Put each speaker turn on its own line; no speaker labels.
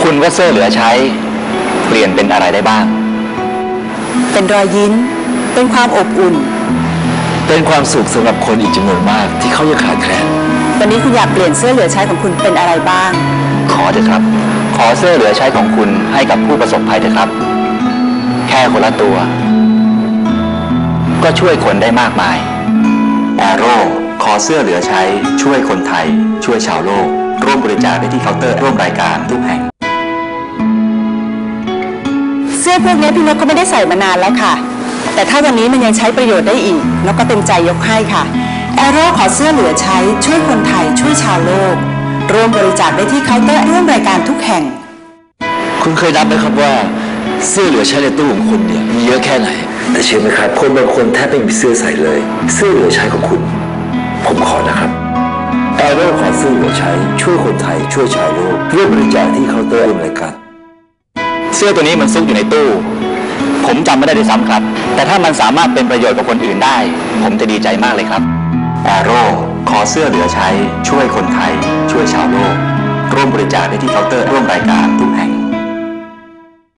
คุณว่าเสื้อเหลือใช้เปลี่ยนเป็นอะไรได้บ้าง
เป็นรอยยิ้มเป็นความอบอุ่น
เป็นความสุขสำหรับคนอีกจำนวนมากที่เขายังขาดแคลน
วันนี้คุณอยากเปลี่ยนเสื้อเหลือใช้ของคุณเป็นอะไรบ้าง
ขอเถอะครับขอเสื้อเหลือใช้ของคุณให้กับผู้ประสบภัยเถอะครับแค่คนละตัวก็ช่วยคนได้มากมายแอโร่ขอเสื้อเหลือใช้ช่วยคนไทยช่วยชาวโลกร่วมบริจาคได้ที่เคาน์เตอร์ร่วมรายการทุกแห่ง
เสื้อพวกนี้พี่นกก็ไม่ได้ใส่มานานแล้วค่ะแต่ถ้าวันนี้มันยังใช้ประโยชน์ได้อีกนกก็เต็มใจยกให้ค่ะแอโร่ขอเสื้อเหลือใช้ช่วยคนไทยช่วยชาวโลกร่วมบริจาคได้ที่เคาน์เตอร์ร่วมรายการทุกแห่ง
คุณเคยนับไหมครับว่าเสื้อเหลือใช้ในตู้ของคุณเนี่ยมีเยอะแค่ไหนแต่เชื่อไหมครับคนบางคนแทบไม่มีเสื้อใส่เลยเสื้อเหลือใช้ของคุณผมขอนะครับแอโร่ขอเสื้อเหลือใช้ช่วยคนไทยช่วยชาวโลกร่วมบริจาคที่เคาน์เตอร์ร่วมรายการเสื้อตัวนี้มันซุกอยู่ในตู้ผมจำไม่ได้ด้วยซ้ำครับแต่ถ้ามันสามารถเป็นประโยชน์กับคนอื่นได้ผมจะดีใจมากเลยครับแอโร่ขอเสื้อเหลือใช้ช่วยคนไทยช่วยชาวโลกร่วมบริจาคได้ที่เคาน์เตอร์ร่วมรายการทุกแห่ง